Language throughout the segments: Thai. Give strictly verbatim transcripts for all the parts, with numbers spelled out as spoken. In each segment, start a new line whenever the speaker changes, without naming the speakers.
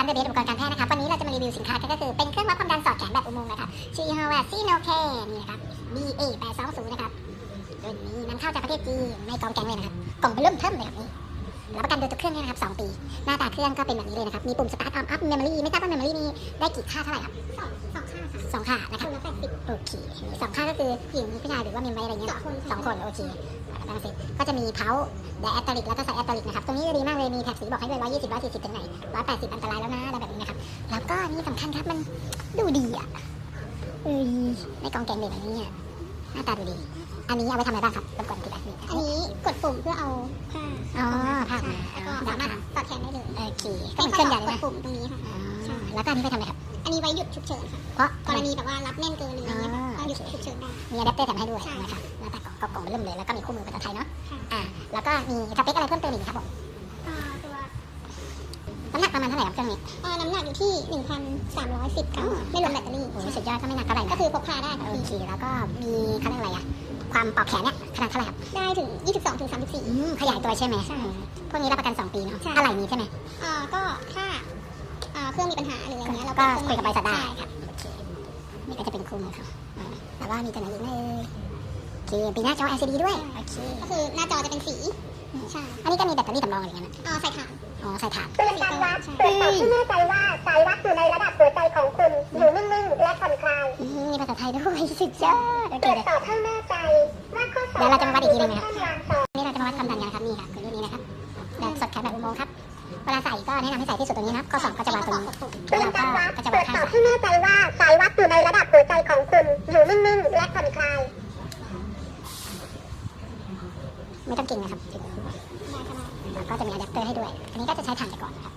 านเดอะเบสอุปกรณ์การแพทย์นะครับวันนี้เราจะมารีวิวสินค้ากันก็คือเป็นเครื่องวัดความดันสอดแขนแบบอุโมงค์นะครับชื่อยี่ห้อว่าซีโนแคร์นี่นะครับ บี เอ แปดสองศูนย์นะครับรุ่นนี้นำเข้าจากประเทศจีนไม่กองแกงเลยนะครับกล่องเบอร์เริ่มเทิมเลยแบบนี้รับประกันโดยตัวเครื่องนี้นะครับสองปีหน้าตาเครื่องก็เป็นแบบนี้เลยนะครับมีปุ่ม Start On Up Memory ไม่ทราบว่า Memory มีได้กี่ค่าเท่าไหร่ครับสองสองค่าค่ะสองค่านะครับแปดสิบโอเคสองค่าก็คือหญิงผู้ชายหรือว่ามีไว้อะไรเงี้ยสองคนโอเคแล้วเสร็จก็จะมีเพาแดแอตตลิกแล้วก็ไซแอตตลิกนะครับตรงนี้จะดีมากเลยมีแถบสีบอกให้ด้วยร้อยยี่สิบ ร้อยสี่สิบถึงไหนร้อยแปดสิบอันตรายแล้วนะอะไรแบบนี้นะครับแล้วก็นี่สำคัญครับมันดูดีอ่ะเอ้ยในกองแกงเลยแบบนี้หน้าตาดูดีอันนี้เอาไปทำอะไรบ้างครับรบกวนอธิบายนิดนึง
อันนี้กดปุ่มเพื่อเอาผ้า
อ๋อผ้ามา
แล้วก็สามารถสอดแขนได้เลย
โอเคก็เหมือนเครื่องใหญ่เลย
กด
นะ
ปุ่มตรงนี้ค่ะ
อ๋อแล้วก็อันนี้ไปทำอะไรครับ
อันนี้ไว้หยุดฉุกเฉินค่ะ
เพราะ
กรณีแบบว่ารับแน่นเกินหรืออะไรเงี้ยก็หยุดฉุกเฉินได้
มีอะแดปเตอร์แถมให้ด้วย
ใช่
นะครับหน้าตากล่องก็กล่องเริ่มเลยแล้วก็มีคู่มือภาษาไทยเนาะ
ค่ะ
อ่าแล้วก็มีสเปคอะไรเพิ่มเติมอีกครับผม
อ่าตัว
น้ำหนักประมาณเท่าไหร่ครับเครื่องนี้
อ่าน้ำหนักอยู่ที่ หนึ่งพันสามร้อยสิบ กรัมไม่รวมแบตเตอรี่
โอ้โหสุดยอดก็ไม่หนักเท่าไหร่นะ
ก็คือพกพาได้ค่ะ
โอเคแล้วก็มีเขาเรียกอะไรอะความปอกแขนเนี่ยขนาดเท่าไหร่ครับ
ได้ถึง ยี่สิบสองถึงสามสิบสี่
อืมขยายตัวใช่ไหม
ใช่
พวกนี้รับประกันสองปีเนาะ
ใช่
อะไรนี้ใช่ไหม
อ่าก็ถ้าอ่าเครื่องมีปัญหาหรืออะไรเงี้ยเรา
ก็
ก็
คุยกับบริษัทได้
ใช่ค่ะ
โอเคนี่ก็จะเป็นคู่มือเขาอ่าแต่ว่ามีตัวไหนอีกไหมเอ่ยโอเคปีหน้าจอ แอล ซี ดี ด้วยโอเค
ก็คือหน้าจอจะเป็นสีใช่
อันนี้ก็มีแบตเตอรี่สำรองอะไรเงี้ยนะ
อ่าใส่ถ่าน
อ๋อใส่ถ่าน
เตือนการวัดตรวจสอบที่แน่ใจว่าสายวัดอยู่ในระดับหัวใจของคุณอยู่นิ่งๆและผ่อนคลาย
อืมมีภาษาไทยด้วยสุดยอดโอ
ต
เค
รวจ
เลย
สอบให้แน่ใจว่าข้อสอบ
เดี๋ยวเราจะมาวัดอีกทีหนึ่งนะครับ
ขั้นวางสอบ
นี่เราจะมาวัดความดันกันนะครับนี่ค่ะคือรุ่นนี้นะครับแบบสดแขนแบบอุโมงค์ครับเวลาใส่ก็แนะนำให้ใส่ที่สุดตรงนี้นะครับข้อสอบก็จะวางตรงนี้
เตื
แล้
อ
วน เรา
การวัด
ก็จะ
ตร
วาว ง
จ
ข้าง
สอบ
ซ้าย
ให้แน่ใจว่าสายวัดอยู่ในระดับหัวใจของคุณอยู่นิ่งๆและผ่อนคลาย
ไม่ต้องเก่งนะครับแล้วก็จะมีอะแดปเตอร์ให้ด้วย อันนี้ก็จะใช้ถ่านไปก่อนนะครับ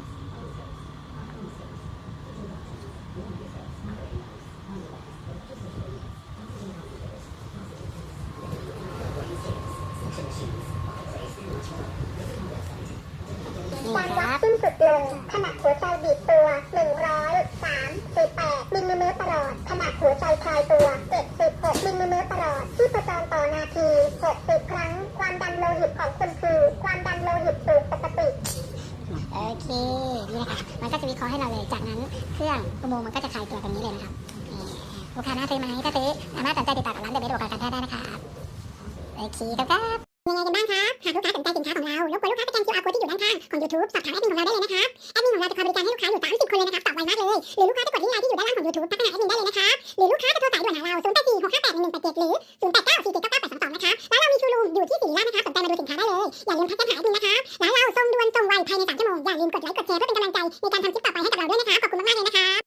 นี่
การ
ค
วัด
รับ
สิ้นสุดลงขณะหัวใจบีบตัวหนึ่งร้อยสามสิบแปดมิลลิเมตรประหลอดขณะหัวใจคลายตัวเจ็ดสิบหกมิลลิเมตรประหลอดที่ประจรต่อนาทีหกสิบครั้งความดันโลหิตของคุณคือความดันโลหิตสูงปกติ
โอเคนี่นะคะมันก็จะวิเคราะห์ให้เราเลยจากนั้นเครื่องอุโมงค์มันก็จะคลายตัวตรงนี้เลยนะครับนี่ลูกค้าน่าซื้อไหมถ้าซื้อสามารถสนใจติดต่อกับร้านเดอะเบสอุปกรณ์การแพทย์ได้นะครับโอเคครับยังไงกันบ้างครับหากลูกค้าสนใจสินค้าของเรารบกวนลูกค้าสแกน คิว อาร์ code ที่อยู่ด้านข้างของ YouTube สอบถามแอดมินของเราได้เลยนะครับแอดมินของเราจะคอยบริการให้ลูกค้าอยู่สามสิบคนเลยนะครับตอบไวมากเลยหรือลูกค้าจะกดที่ไลน์ที่อยู่ด้านล่างของ YouTube ทักไปหาแอดมินได้เลยนะครับหรือลูกค้าจะโทรสายด่วนหาเราศูนย์ แปด สี่ หก ห้า แปด หนึ่ง หนึ่ง แปด เจ็ดหรือศูนย์ แปด เก้า สี่ เจ็ด เก้า เก้า แปด สอง สองนะครับแล้วเรามีชูรูมอยู่ที่ศิริราชนะครับสนใจมาดูสินค้าได้เลยอย่าลืมทักกันหาแอดมินนะครับแล้วเราส่งด่วนส่งไวภายในสามชั่วโมงอย่าลืมกดไลค์กดแชร์เพื่อเป็นกำลังใจในการทำคลิปต่อไปให้กับเราด้วยนะครับ